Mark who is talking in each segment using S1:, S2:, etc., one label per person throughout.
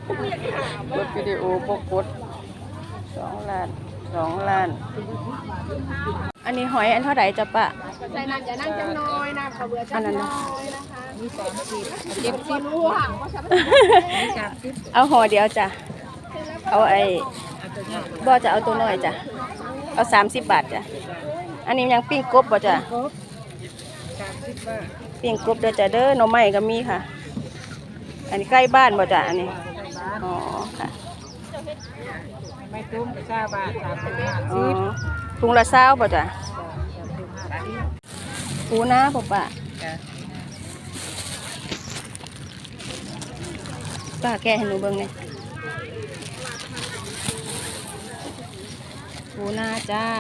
S1: กดวิดีโอปกด2 ล้านอันนี้หอยอันเท่าไหร่จ๊ะปะ
S2: ใส่น้ำจะนั่งจังน้อยนะขอเบื่อจังน้อยนะคะมี30 70รู้ห่างว่าฉัน
S1: เอาห่อเดียวจ้ะเอาบ่จะเอาตัวน้อยจ้ะเอา30 บาทจ้ะอันนี้ยังปิ้งกบบ่จ้ะปิ้งกบเด้อจ้ะเด้อหน่อไม้ก็มีค่ะอันนี้ใกล้บ้านบ่จ้ะอันนี้อ๋อค่ะ
S2: ไม่ตุ้มกับ20 บาท
S1: อ๋อถุงละ20บ่จ้ะปูนาบ่ปะป้าแกะให้หนูเบิ่งหน่อยปูนาจ้า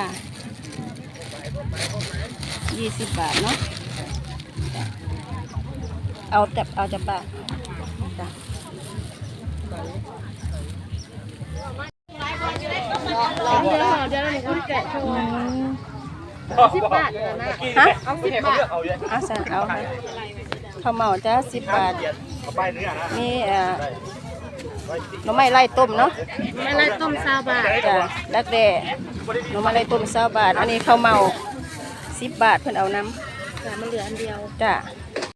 S1: 20 บาทเนาะเอาจะปะจ้ะ
S2: เดี๋ยวหนูคุณแกะโชว์10 บาทนะ
S1: ฮะ
S2: เอา10 บาท
S1: เอาสั่งเอาค่ะข้าวเหมาจ้า10 บาทนี่หน่อไม้ไล่ต้มเนาะ
S2: ไม่ไล่ต้ม20 บาท
S1: จ้ะแล้วแต่หน่อไม้ไล่ต้ม20 บาทอันนี้ข้าวเหมา10 บาทเพิ่นเอาน้ำ
S2: แต่มันเหลืออันเดียว
S1: จ้ะ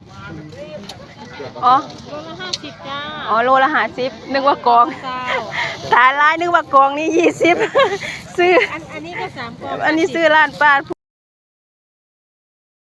S1: อ๋อ
S2: โลละ50จ้า
S1: อ๋อโลละ50นึกว่ากองตายลายนึกว่ากองนี่20ซื้อ
S2: อันนี้ก็3 กอง
S1: อันนี้ซื้อร้านป้า